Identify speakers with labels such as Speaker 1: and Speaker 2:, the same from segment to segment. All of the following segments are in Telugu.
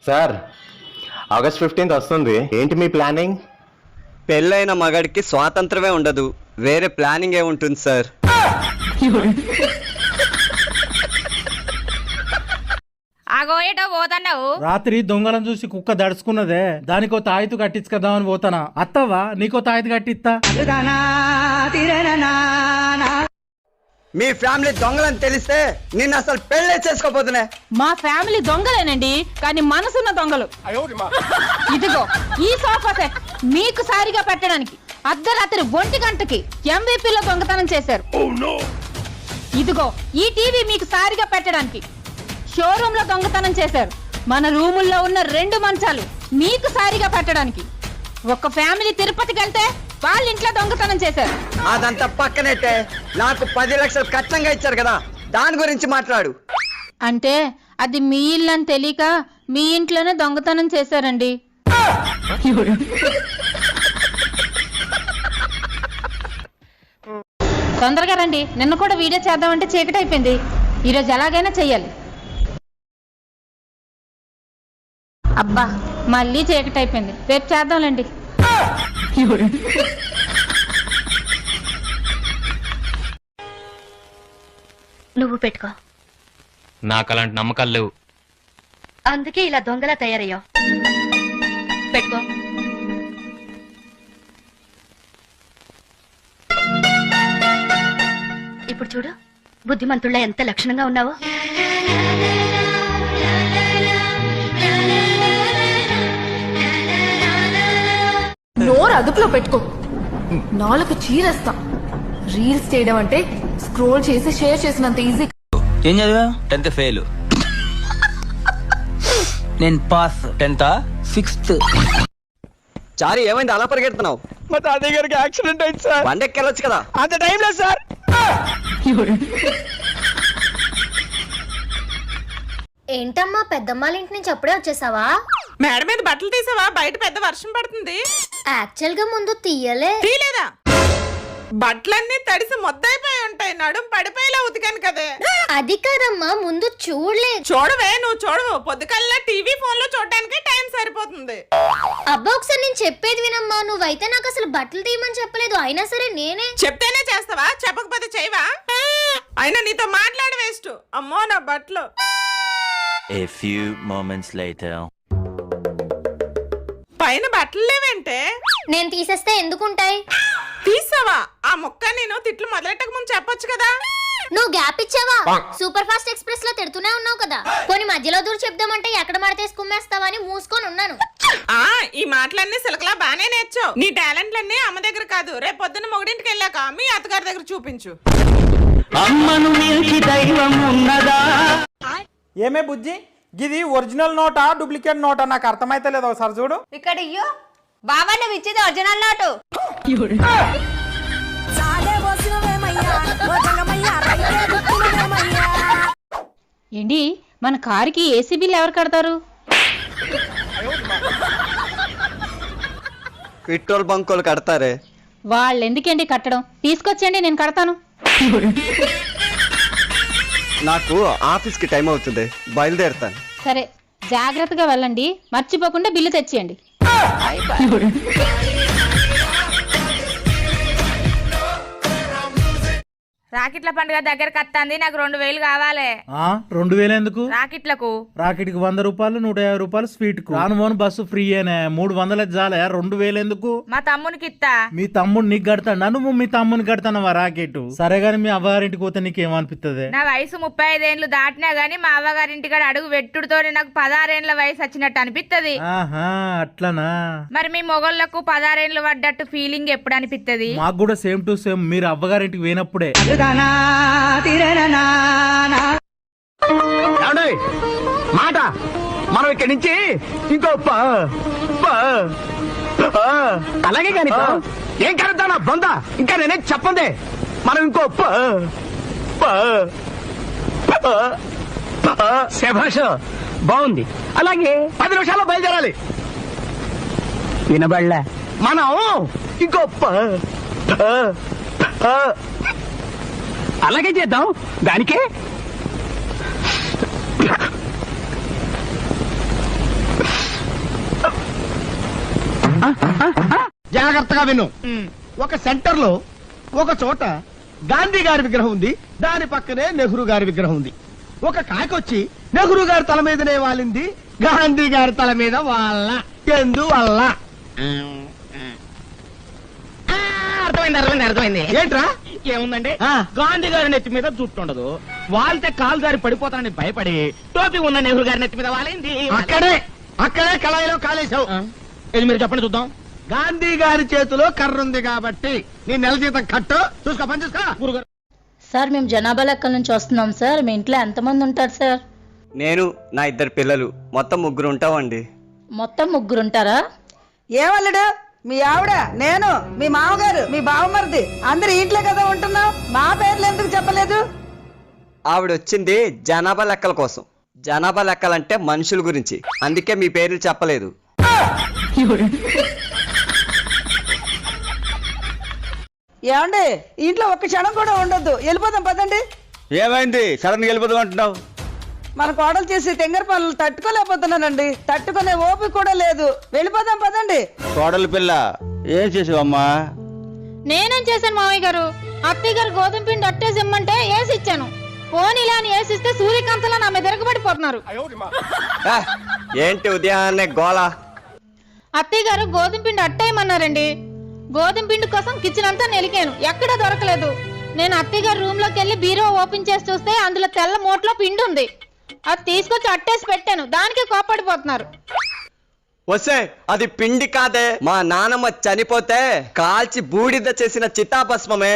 Speaker 1: సార్, ఆగస్ట్ 15th వస్తుంది. ఏంటి మీ ప్లానింగ్?
Speaker 2: పెళ్ళైన మగాడికి స్వాతంత్రమే ఉండదు, వేరే ప్లానింగ్ ఏముంటుంది సార్?
Speaker 3: ఆగోయేటో పోతున్నావు.
Speaker 4: రాత్రి దొంగలను చూసి కుక్క దడుచుకున్నదే, దానికో తాయితు కట్టించుకదామని పోతానా. అత్తవా నీకో తాయితు కట్టిస్తా.
Speaker 2: మీ ఫ్యామిలీ దొంగలని తెలిస్తే నిన్ను అసలు పెళ్ళే చేసుకోపోతున్నా.
Speaker 3: మా ఫ్యామిలీ దొంగలేనండి, కానీ మనసున్న దొంగలు. ఇదిగో ఈ సోఫా సెట్ మీకు సారిగా పెట్టడానికి అర్ధరాత్రి 1 గంటకి MVP లో దొంగతనం చేశారు. ఇదిగో ఈ టీవీ మీకు సారిగా పెట్టడానికి షోరూమ్ లో దొంగతనం చేశారు. మన రూముల్లో ఉన్న 2 మంచాలు మీకు సారిగా పెట్టడానికి ఒక ఫ్యామిలీ తిరుపతికి వెళ్తే వాళ్ళ ఇంట్లో దొంగతనం చేశారు.
Speaker 2: అదంతా పక్కనైతే నాకు 10 లక్షలు కష్టంగా ఇచ్చారు కదా, దాని గురించి మాట్లాడు.
Speaker 3: అంటే అది మీ ఇల్లు అని తెలియక మీ ఇంట్లోనే దొంగతనం చేశారండి. తొందరగా రండి, నిన్న కూడా వీడియో చేద్దామంటే చీకటి అయిపోయింది. ఈరోజు ఎలాగైనా చెయ్యాలి. అబ్బా మళ్ళీ చీకటి అయిపోయింది, రేపు చేద్దాంలేండి.
Speaker 5: నువ్వు పెట్టుకో.
Speaker 6: నాకు అలాంటి నమ్మకాలు లేవు.
Speaker 5: అందుకే ఇలా దొంగలా తయారయ్యావు. పెట్టుకో. ఇప్పుడు చూడు, బుద్ధిమంతుళ్ళ ఎంత లక్షణంగా ఉన్నావో.
Speaker 7: నోరు అదుపులో పెట్టుకో, నాలుగు చీరేస్తా. రీల్స్ చేయడం అంటే స్క్రోల్ చేసి షేర్ చేసినంత ఈజీ.
Speaker 8: ఏం చదివా? 10th fail. నేను పాస్. 10th 6th.
Speaker 2: చారి ఏమైంది అలా పరిగెడుతున్నావు?
Speaker 8: మా తాతయ్య గారికి యాక్సిడెంట్ అయింది సార్.
Speaker 2: బండెక్కి వెళ్ళొచ్చు కదా.
Speaker 8: అంత టైం లేదు సార్.
Speaker 5: ఏంటమ్మా, పెద్దమ్మాళ్ళ ఇంటి నుంచి అప్పుడే వచ్చేసావా?
Speaker 3: మేడ మీద బట్టలు తీసావా? బయట పెద్ద వర్షం పడుతుంది.
Speaker 5: యాక్చువల్ గా ముందు
Speaker 3: తీయలేదా? బట్టలన్నీ తడిసి మొద్దైపోయి ఉంటాయి, నడుం పడిపోయేలా ఉతికాను కదే.
Speaker 5: అది కాదమ్మా, ముందు చూడలేదు.
Speaker 3: చూడవే, నువ్వు చూడవు. పొద్దుకల్లా టీవీ ఫోన్ లో చూడటానికి టైం సరిపోతుంది.
Speaker 5: అబ్బా ఒకసారి నేను చెప్పేది వినమ్మా. నువ్వైతే నాకు అసలు బట్టలు తీయమని చెప్పలేదు, అయినా సరే నేనే.
Speaker 3: చెప్తేనే చేస్తావా? చెప్పకపోతే చేయవా? అయినా నీతో మాట్లాడి వేస్ట్. అమ్మో నా బట్టలు.
Speaker 9: A few moments later.
Speaker 3: పైన బట్టలు లేవంటే
Speaker 5: నేను తీసేస్తే ఎందుకుంటాయి?
Speaker 3: తీసావా? ఆ ముక్క నేను తిట్లు మొదలెట్టక ముందు చెప్పొచ్చు కదా.
Speaker 5: నువ్వు గ్యాప్ ఇచ్చావా? సూపర్ ఫాస్ట్ ఎక్స్ప్రెస్ లో తిడుతూనే ఉన్నావు కదా. కొన్ని మధ్యలో దూరం చెప్దామంటే ఎక్కడ మడతేసి కుమ్మేస్తావా అని మూసుకొని ఉన్నాను.
Speaker 3: ఈ మాటలన్నీ సిలకలా బానే నేర్చావు. నీ టాలెంట్లన్నీ అమ్మ దగ్గర కాదు, రేపు పొద్దున్న మొగడింటికి వెళ్ళాక మీ అత్తగారి దగ్గర చూపించు.
Speaker 4: అమ్మను మించి దైవం ఉన్నదా?
Speaker 8: ఏమే బుజ్జి, గిది ఒరిజినల్ నోటా డూప్లికేట్ నోటా నాకు అర్థమైతే లేదు. ఒకసారి చూడు.
Speaker 3: ఇక్కడ ఇయ్యో బాబా, నువ్వు ఇచ్చేది ఒరిజినల్ నోటు. ఏంటి మన కారుకి ఏసీ బిల్ ఎవరు కడతారు?
Speaker 2: పెట్రోల్ బంకులు కడతారే.
Speaker 3: వాళ్ళు ఎందుకండి కట్టడం? తీసుకొచ్చేయండి, నేను కడతాను.
Speaker 2: నాకు ఆఫీస్ కి టైం అవుతుంది, బయలుదేరుతాను.
Speaker 3: సరే జాగ్రత్తగా వెళ్ళండి, మర్చిపోకుండా బిల్లు తెచ్చేయండి. రాకెట్ల పండుగ దగ్గరకు వస్తుంది, నాకు 2000 కావాలి.
Speaker 4: 2000 ఎందుకు?
Speaker 3: రాకెట్లకు.
Speaker 4: రాకెట్కి 100 రూపాయలు, 150 రూపాయలు స్వీట్ కు. రాను బస్సు ఫ్రీయేనే. 300 చాలే, 2000 ఎందుకు?
Speaker 3: మా తమ్మునికి ఇస్తా.
Speaker 4: మీ తమ్ముడు నీకు కడతాడా? నువ్వు మీ తమ్ముని కడతానవా రాకెట్? సరే గాని మీ అవ్వగారింటికి పోతే నీకేమనిపిస్తుంది?
Speaker 3: నా వయసు 35 ఏళ్ళు దాటినా గానీ మా అవ్వగారింటి కాడ అడుగు పెట్టుడుతో నాకు 16 ఏళ్ల వయసు వచ్చినట్టు అనిపిస్తుంది.
Speaker 4: ఆహా అట్లనా?
Speaker 3: మరి మీ మొగోళ్ళకు 16 ఏళ్ళు పడ్డట్టు ఫీలింగ్ ఎప్పుడు అనిపిస్తుంది?
Speaker 4: మాకు కూడా సేమ్ టు సేమ్. మీరు అవ్వగారింటికి పోయినప్పుడే.
Speaker 8: మాట మనం ఇక్కడి నుంచి ఇంకో అలాగే కానీ ఏం కలుద్దా నా బొంద. ఇంకా నేనే చెప్పండి. మనం ఇంకో శభాష బాగుంది. అలాగే 10 నిమిషాల్లో బయలుదేరాలి. వినబడలే? మనం ఇంకో అలాగే చేద్దాం. దానికే
Speaker 2: జాగ్రత్తగా విను. ఒక సెంటర్ లో ఒక చోట గాంధీ గారి విగ్రహం ఉంది, దాని పక్కనే నెహ్రూ గారి విగ్రహం ఉంది. ఒక కాకొచ్చి నెహ్రూ గారి తల మీదనే వాలింది, గాంధీ గారి తల మీద వాళ్ళ ఎందువల్ల? అర్థమైంది. ఏంట్రా?
Speaker 10: ఏముందండి, గాంధీ గారి నెత్తి మీద జుట్టు ఉండదు, వాళ్తే కాలు గారి పడిపోతానని భయపడి టోపీ ఉన్న నెహ్రూ గారి నెత్తి మీద వాలింది.
Speaker 2: అక్కడే కళాయిలో కాలేశావు.
Speaker 10: ఇది మీరు చెప్పండి చూద్దాం.
Speaker 2: గాంధీ గారి చేతిలో కర్ర ఉంది కాబట్టి నీ నెల జీతం కట్టు. చూసుకో, పని చూసుకో.
Speaker 10: గురుగారు,
Speaker 3: సార్ మేము జనాభా లెక్కల నుంచి వస్తున్నాం సార్. మీ ఇంట్లో ఎంతమంది ఉంటారు సార్?
Speaker 2: నేను, నా 2 పిల్లలు, మొత్తం 3 ఉంటామండి.
Speaker 3: మొత్తం 3 ఉంటారా?
Speaker 11: ఏమల్లుడు, మీ ఆవిడ, నేను, మీ మామగారు, మీ బావమరిది అందరు ఇంట్లో కదా ఉంటున్నాం. మా పేర్లు ఎందుకు చెప్పలేదు?
Speaker 2: ఆవిడ వచ్చింది జనాభా లెక్కల కోసం. జనాభా లెక్కలంటే మనుషుల గురించి, అందుకే మీ పేర్లు చెప్పలేదు.
Speaker 11: ఏమండి, ఇంట్లో ఒక్క క్షణం కూడా ఉండొద్దు, వెళ్ళిపోదాం పదండి.
Speaker 2: ఏమైంది సడన్ గా వెళ్ళిపోదాం అంటున్నావు?
Speaker 11: మన కోడలు చేసి తెంగర పనులు తట్టుకోలేకపోతున్నానండి. తట్టుకునే ఓపిక కూడా లేదు. వెళ్ళిపోదాం పదండి.
Speaker 2: కోడలు పిల్ల ఏం చేసావమ్మా?
Speaker 3: నేనేం చేశాను మామయ్య గారు? అత్తయ్య గారు గోధుమ పిండి అట్టేసి ఇమ్మంటే వేసి ఇచ్చాను. పోనీలా అని వేసిస్తే సూర్యకాంతలా నా మీద తిరగబడిపోతున్నారు.
Speaker 2: ఏంటి ఉదయాన్నే గోళ?
Speaker 3: అత్తయ్య గారు గోధుమ పిండి అట్టేయమన్నారండి. గోధుమ పిండి కోసం కిచెన్ అంతా నెలికాను, ఎక్కడా దొరకలేదు. నేను అత్తయ్య గారు రూమ్ లోకి వెళ్ళి బీరో ఓపెన్ చేసి చూస్తే అందులో తెల్ల మూటలో పిండి ఉంది. అది తీసుకొచ్చి అట్టేసి పెట్టాను, దానికి కోపడిపోతున్నారు.
Speaker 2: వస్తే అది పిండి కాదే, మా నానమ్మ చనిపోతే కాల్చి బూడిద చేసిన చితాభస్మమే.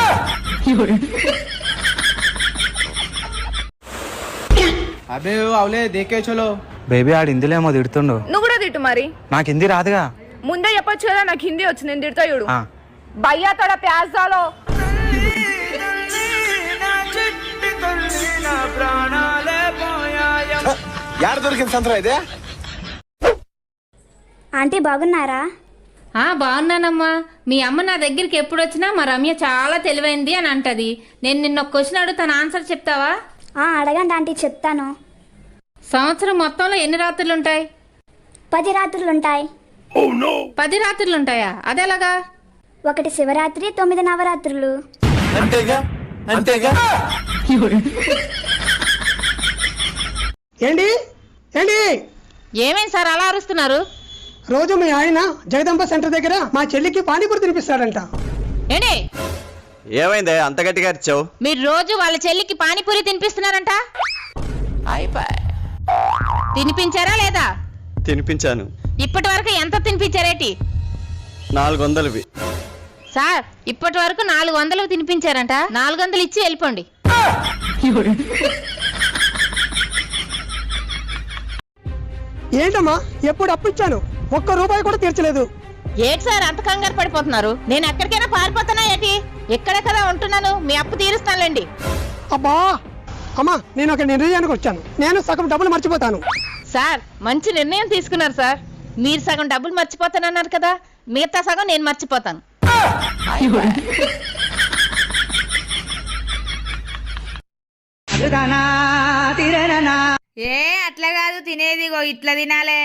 Speaker 8: అబే అవలే దేకే చలో.
Speaker 10: బేబీ ఆడు హిందీలేమో తిడుతుండు.
Speaker 7: నువ్వు కూడా తిట్టు మరి.
Speaker 10: నాకు హిందీ రాదుగా.
Speaker 7: ముందే చెప్పొచ్చు కదా, నాకు హిందీ వచ్చి నేను తిడతా చూడు. భయ్యా తోడ ప్యాజ్ దాలో.
Speaker 2: యాడ దొరికింది సంతరా ఇదే?
Speaker 5: ఆంటీ బాగున్నారా?
Speaker 3: బాగున్నానమ్మా. మీ అమ్మ నా దగ్గరికి ఎప్పుడు వచ్చినా మా రమ్య చాలా తెలివైంది అని అంటది. నేను నిన్న ఒక క్వశ్చన్ అడుగుతాను, ఆన్సర్ చెప్తావా?
Speaker 5: అడగండి ఆంటీ, చెప్తాను.
Speaker 3: సంవత్సరం మొత్తంలో ఎన్ని రాత్రులు ఉంటాయి?
Speaker 5: 10 రాత్రులుంటాయి.
Speaker 3: 10 రాత్రులు ఉంటాయా? అదెలాగా?
Speaker 5: 1 శివరాత్రి, 9 నవరాత్రులు.
Speaker 2: అంతేగా.
Speaker 11: ఏంటి ఏంటి
Speaker 3: ఏమేం సార్ అలా అరుస్తున్నారు?
Speaker 11: రోజు మీ ఆయన జగదంబ సెంటర్ దగ్గర మా చెల్లికి పానీపూరి తినిపిస్తాడంట.
Speaker 3: ఏంటి?
Speaker 2: ఏమైందే అంత గట్టిగా అరిచావు?
Speaker 3: మీరు రోజు వాళ్ళ చెల్లికి పానీపూరి తినిపిస్తున్నారంట. తినిపించారా లేదా?
Speaker 2: తినిపించాను.
Speaker 3: ఇప్పటి వరకు ఎంత తినిపించారేటి?
Speaker 2: 400వి.
Speaker 3: సార్ ఇప్పటి వరకు 400 తినిపించారంట. 400 ఇచ్చి వెళ్ళిపోండి.
Speaker 11: ఏంటమ్మా, ఎప్పుడు అప్పు ఇచ్చాను, ₹1 కూడా తీర్చలేదు.
Speaker 3: ఏంటి సార్ అంత కంగారు పడిపోతున్నారు? నేను ఎక్కడికైనా పారిపోతానా ఏంటి? ఎక్కడే కదా ఉంటున్నాను, మీ అప్పు తీరుస్తానులేండి.
Speaker 11: అబ్బా అమ్మా, నేను ఒక నిర్ణయానికి వచ్చాను. నేను సగం డబ్బులు మర్చిపోతాను.
Speaker 3: సార్ మంచి నిర్ణయం తీసుకున్నారు సార్. మీరు సగం డబ్బులు మర్చిపోతానన్నారు కదా, మిగతా సగం నేను మర్చిపోతాను.
Speaker 7: ఏ అట్లా కాదు తినేది, ఇట్లా తినాలే.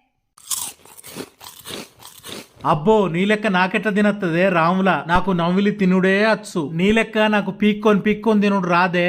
Speaker 4: అబ్బో నీ లెక్క నాకెట్లా తినత్తదే రాములా? నాకు నవ్విలి తినుడే అచ్చు. నీ లెక్క నాకు పీక్కొని తినుడు రాదే.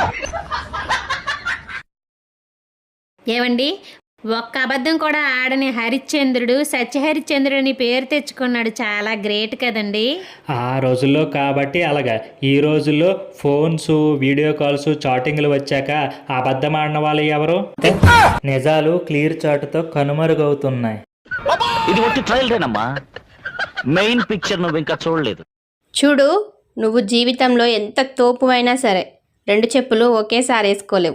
Speaker 3: ఏవండి, ఒక్క అబద్ధం కూడా ఆడని హరిశ్చంద్రుడు సత్యహరిశ్చంద్రుడు అని పేరు తెచ్చుకున్నాడు. చాలా గ్రేట్ కదండి.
Speaker 12: ఆ రోజుల్లో కాబట్టి అలాగా. ఈ రోజుల్లో ఫోన్స్, వీడియో కాల్స్, చాటింగ్లు వచ్చాక అబద్ధం ఆడిన వాళ్ళు ఎవరు? నిజాలు క్లియర్ చాటుతో కనుమరుగవుతున్నాయి.
Speaker 10: ఇది ఒకటి ట్రయల్దేనమ్మా, మెయిన్ పిక్చర్ నువ్వు ఇంకా చూడలేదు.
Speaker 5: చూడు, నువ్వు జీవితంలో ఎంత తోపు అయినా సరే 2 చెప్పులు ఒకేసారి వేసుకోలేవు.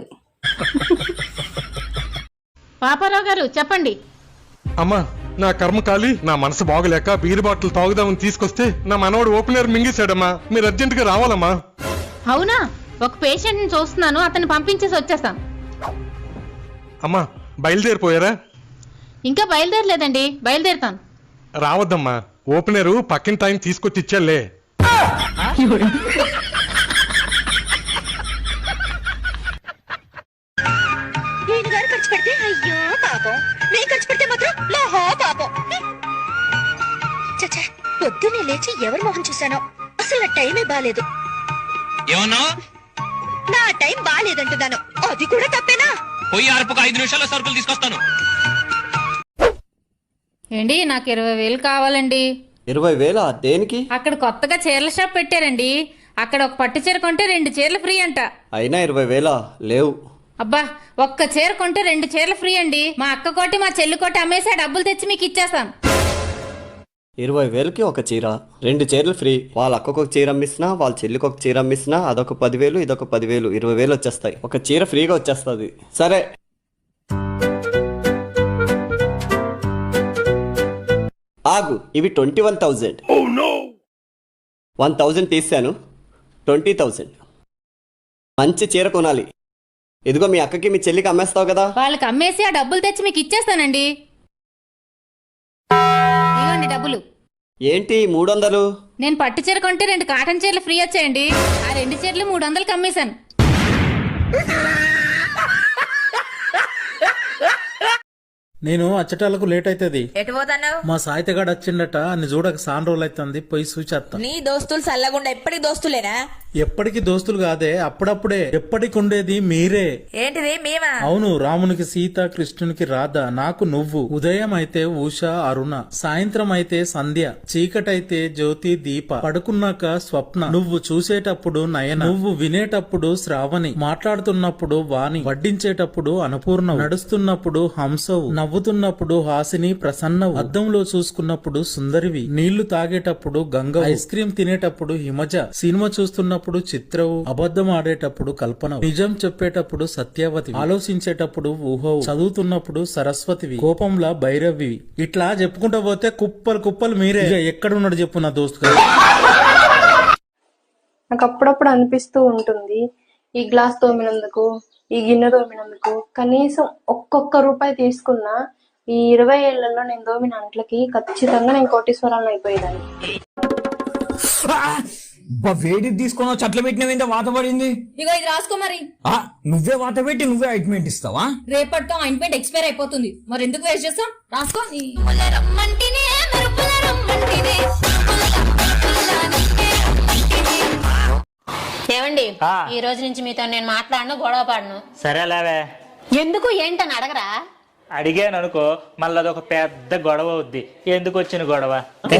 Speaker 3: పాపారావు గారు చెప్పండి.
Speaker 13: అమ్మా, నా కర్మకాలి నా మనసు బాగలేక బీర్ బాటిల్ తాగుదామని తీసుకొస్తే నా మనవడు ఓపెనర్ మింగేశాడమ్మా. మీరు అర్జెంట్ గా రావాలమ్మా.
Speaker 3: అవునా? ఒక పేషెంట్ ని చూస్తున్నాను, అతన్ని పంపించేసి వచ్చేస్తాను.
Speaker 13: అమ్మా బయలుదేరిపోయారా?
Speaker 3: ఇంకా బయలుదేరలేదండి, బయలుదేరుతాను.
Speaker 13: రావద్దమ్మా, ఓపెనరు పక్కిన టైం తీసుకొచ్చి ఇచ్చాలే.
Speaker 5: ఖర్చు పెడితే అయ్యో పాపం, నేను ఖర్చు పెడితే మాత్రం పాపం. లేచి ఎవరి మొహం చూశానో అసలు నా టైమే బాలేదు.
Speaker 6: ఏమన్నా
Speaker 5: నా టైం బాలేదంటున్నాను, అది కూడా తప్పేనా?
Speaker 6: పోయి అరపుకు 5 నిమిషాల్లో సరుకులు తీసుకొస్తాను.
Speaker 3: ఏంటి నాకు 20,000 కావాలండి.
Speaker 2: 20,000 దేనికి?
Speaker 3: అక్కడ కొత్తగా చీరల షాప్ పెట్టారండి. అక్కడ ఒక పట్టు చీర కొంటే 2 చీరలు ఫ్రీ అంట.
Speaker 2: అయినా 20,000 లేవు.
Speaker 3: అబ్బా, ఒక్క చీర కొంటే 2 చీరలు ఫ్రీ అండి. మా అక్క కోటి మా చెల్లి కోటి అమ్మేసి డబ్బులు తెచ్చి మీకు ఇచ్చేస్తాను.
Speaker 2: 20,000కి ఒక చీర, 2 చీరలు ఫ్రీ. వాళ్ళ అక్కకు ఒక చీర అమ్మిస్తున్నా, వాళ్ళ చెల్లికి ఒక చీర అమ్మిస్తున్నా, అదొక 10,000, ఇదొక 10,000, 20,000 వచ్చేస్తాయి. ఒక చీర ఫ్రీగా వచ్చేస్తుంది. సరే ఆగు, ఇవి 21,000. 1,000 తీసాను, 20,000. మంచి చీర కొనాలి. ఇదిగో మీ అక్కకి మీ చెల్లికి అమ్మేస్తావు కదా.
Speaker 3: వాళ్ళకి అమ్మేసి ఆ డబ్బులు తెచ్చి మీకు ఇచ్చేస్తానండి. ఇవ్వండి డబ్బులు.
Speaker 2: ఏంటి 300?
Speaker 3: నేను పట్టు చీర కొంటే 2 కాటన్ చీరలు ఫ్రీ వచ్చాయండి. ఆ 2 చీరలు 300కి అమ్మేశాను.
Speaker 4: నేను అచ్చటాలకు లేట్ అవుతుంది.
Speaker 7: ఎటు పోతావు?
Speaker 4: మా సాయితగాడు వచ్చిండట, అన్ని చూడక సాన్ రోజులు అవుతుంది, పోయి చూచేస్తా.
Speaker 7: నీ దోస్తులు సల్లగుండా ఎప్పటికి దోస్తులేనా?
Speaker 4: ఎప్పటికి దోస్తులు కాదే, అప్పుడప్పుడే. ఎప్పటికి ఉండేది మీరే.
Speaker 7: ఏంటిది మేమా?
Speaker 4: అవును, రామునికి సీత, కృష్ణునికి రాధ, నాకు నువ్వు. ఉదయం అయితే ఉష, అరుణ, సాయంత్రం అయితే సంధ్య, చీకటైతే జ్యోతి, దీప, పడుకున్నాక స్వప్న, నువ్వు చూసేటప్పుడు నయన, నువ్వు వినేటప్పుడు శ్రావణి, మాట్లాడుతున్నప్పుడు వాణి, వడ్డించేటప్పుడు అన్నపూర్ణ, నడుస్తున్నప్పుడు హంసవు, నవ్వుతున్నప్పుడు హాసిని, ప్రసన్నవు, అద్దంలో చూసుకున్నప్పుడు సుందరివి, నీళ్లు తాగేటప్పుడు గంగ, ఐస్ క్రీం తినేటప్పుడు హిమజ, సినిమా చూస్తున్నప్పుడు చిత్రవు, అబద్ధం ఆడేటప్పుడు కల్పన, నిజం చెప్పేటప్పుడు సత్యవతి, ఆలోచించేటప్పుడు ఊహవు, చదువుతున్నప్పుడు సరస్వతివి, కోపంలా భైరవి. ఇట్లా చెప్పుకుంటూ పోతే కుప్పలు కుప్పలు మీరే. ఇక ఎక్కడున్నాడు చెప్పు నా దోస్తు గారు.
Speaker 7: నాకు అప్పుడప్పుడు అనిపిస్తూ ఉంటుంది, ఈ గ్లాస్ తోమినందుకు, ఈ గిన్నె తోమినందుకు కనీసం ఒక్కొక్క రూపాయి తీసుకున్నా ఈ 20 ఏళ్లలో నేను తోమిన అంట్లకి ఖచ్చితంగా నేను కోటీశ్వరాలను అయిపోయేదాన్ని.
Speaker 10: వేడి తీసుకున్న చెట్ల పెట్టిన వాత పడింది.
Speaker 3: ఇగో ఇది రాసుకో మరి.
Speaker 10: నువ్వే వాత పెట్టి నువ్వే ఆయింట్మెంట్ ఇస్తావా?
Speaker 3: రేపటితో ఆయింట్మెంట్ ఎక్స్పైర్ అయిపోతుంది, మరి ఎందుకు వేస్ట్ చేస్తాం? రాసుకో. ఏమండి, ఈ రోజు నుంచి మీతో నేను మాట్లాడను, గొడవ పాడను.
Speaker 12: సరేలేవే.
Speaker 3: ఎందుకు ఏంటని అడగరా?
Speaker 12: అడిగాను అనుకో, మళ్ళీ అదొక పెద్ద గొడవ అవుద్ది. ఎందుకు వచ్చిన గొడవ?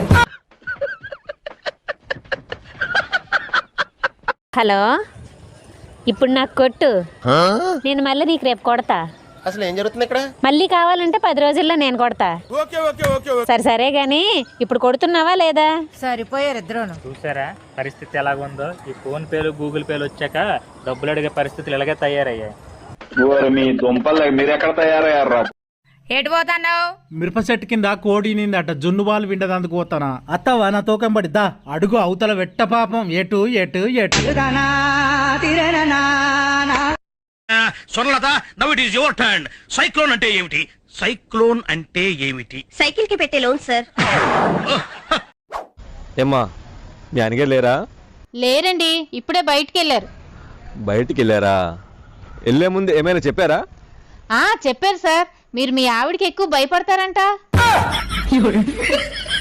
Speaker 3: హలో, ఇప్పుడు నాకు కొట్టు, నేను మళ్ళీ నీకు రేపు కొడతా.
Speaker 2: అసలు ఏం జరుగుతుంది ఇక్కడ?
Speaker 3: మళ్ళీ కావాలంటే 10 రోజుల్లో నేను కొడతా. సరే సరే గాని ఇప్పుడు కొడుతున్నావా లేదా?
Speaker 7: సరిపోయారు ఇద్దరును.
Speaker 12: చూసారా పరిస్థితి ఎలాగుందో? ఈ ఫోన్ పేలు, గూగుల్ పేలు వచ్చాక డబ్బులు అడిగే పరిస్థితులు ఇలాగే తయారయ్యాయి.
Speaker 1: మీ దుంపలు మీరెక్కడ తయారయ్యారా?
Speaker 7: ఎటు పోతావు?
Speaker 4: మిరప చెట్టు కింద కోడి నిందట, జున్ను బాలు విండదందుకు పోతానా? అత్తవా నా తోకం పడిద్దా? అడుగు అవతల వెట్ట పాపం. ఎటు ఎటు ఎటు.
Speaker 10: సొరలత, now it is your turn. Cyclone అంటే ఏమిటి? సైక్లోన్ అంటే ఏమిటి?
Speaker 5: సైకిల్ కి పెట్టే లోన్ సార్.
Speaker 1: ఏమ్మా, మీ అనగారు లేరా?
Speaker 3: లేరండి, ఇప్పుడే బయటికి వెళ్ళారు.
Speaker 1: బయటికి వెళ్ళారా? వెళ్ళే ముందు ఏమైనా చెప్పారా?
Speaker 3: చెప్పారు సార్, మీరు మీ ఆవిడకి ఎక్కువ భయపడతారంట.